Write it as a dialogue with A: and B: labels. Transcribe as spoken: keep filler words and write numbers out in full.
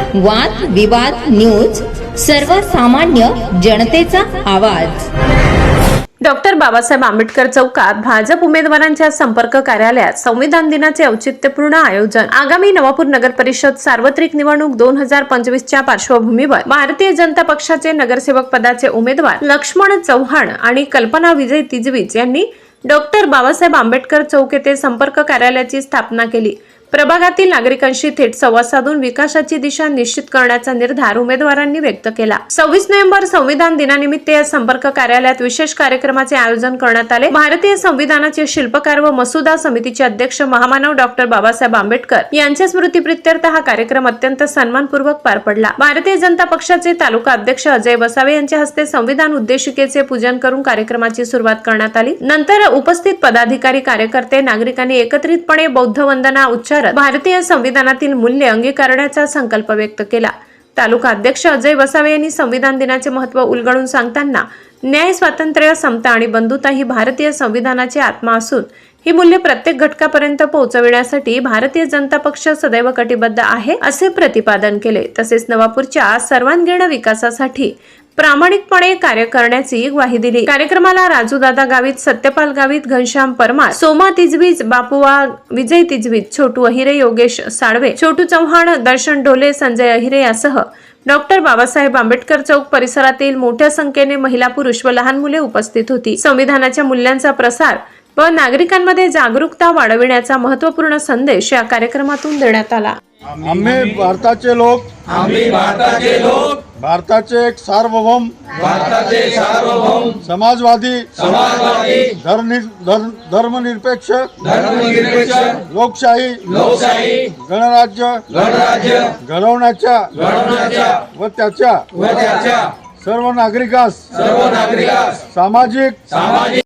A: वाद विवाद न्यूज, सर्वसामान्य जनतेचा आवाज।
B: डॉक्टर बाबासाहेब आंबेडकर चौकात भाजप उमेदवारांच्या संपर्क कार्यालयात संविधान दिनाचे औचित्यपूर्ण आयोजन। आगामी नवापूर नगर परिषद सार्वत्रिक निवडणूक दोन हजार पंचवीस च्या पार्श्वभूमीवर भारतीय जनता पक्षाचे नगरसेवक पदाचे उमेदवार लक्ष्मण चव्हाण आणि कल्पना विजय तिजवीज यांनी डॉक्टर बाबासाहेब आंबेडकर चौक येथे संपर्क कार्यालयाची स्थापना केली। प्रभागातील नागरिकांशी थेट संवाद साधून विकासाची दिशा निश्चित करण्याचा निर्धार उमेदवारांनी व्यक्त केला। सव्वीस नोव्हेंबर संविधान दिनानिमित्त या संपर्क कार्यालयात विशेष कार्यक्रमाचे आयोजन करण्यात आले। भारतीय संविधानाचे शिल्पकार व मसुदा समितीचे अध्यक्ष महामानव डॉक्टर बाबासाहेब आंबेडकर यांच्या स्मृतीप्रित्यर्थ हा कार्यक्रम अत्यंत सन्मानपूर्वक पार पडला। भारतीय जनता पक्षाचे तालुका अध्यक्ष अजय वसावे यांच्या हस्ते संविधान उद्देशिकेचे पूजन करून कार्यक्रमाची सुरुवात करण्यात आली। नंतर उपस्थित पदाधिकारी, कार्यकर्ते, नागरिकांनी एकत्रितपणे बौद्ध वंदना उच्चारत भारतीय संविधानातील मूल्य अंगीकारण्याचा संकल्प व्यक्त केला। तालुका अध्यक्ष अजय वसावे यांनी संविधान दिनाचे महत्त्व उलगडून सांगताना न्याय, स्वातंत्र्य, समता आणि बंधुता ही भारतीय संविधानाची आत्मा असून ही मूल्ये प्रत्येक घटकापर्यंत पोहोचविण्यासाठी भारतीय जनता पक्ष सदैव कटिबद्ध आहे असे प्रतिपादन केले। तसेच नवापूरच्या सर्वांगीण विकासासाठी प्रामाणिकपणे कार्य करण्याची ग्वाही दिली। कार्यक्रमाला राजूदादा गावित, सत्यपाल गावित, घनश्याम परमार, सोमा तिजवीज, बापुवा, विजय तिजवीज, छोटू अहिरे, योगेश साळवे, छोटू चव्हाण, दर्शन ढोले, संजय अहिरे यासह डॉक्टर बाबासाहेब आंबेडकर चौक परिसरातील मोठ्या संख्येने महिला, पुरुष व लहान मुले उपस्थित होती। संविधानाच्या मूल्यांचा प्रसार व नागरिकांमध्ये जागरूकता वाढविण्याचा महत्त्वपूर्ण संदेश या कार्यक्रमातून देण्यात आला।
C: आम्ही भारताचे लोक
D: आम्ही भारताचे लोक
C: भारताचे एक सार्वभौम
D: भारताचे सार्वभौम
C: समाजवादी
D: समाजवादी
C: धर्मनि धर्म धर्मनिरपेक्ष
D: धर्मनिरपेक्ष
C: लोकशाही
D: लोकशाही
C: गणराज्य
D: गणराज्य
C: घडवण्याच्या
D: घडवण्याच्या
C: व त्याच्या
D: व त्याच्या
C: सर्व नागरिकास
D: सर्व नागरिकास
C: सामाजिक
D: सामाजिक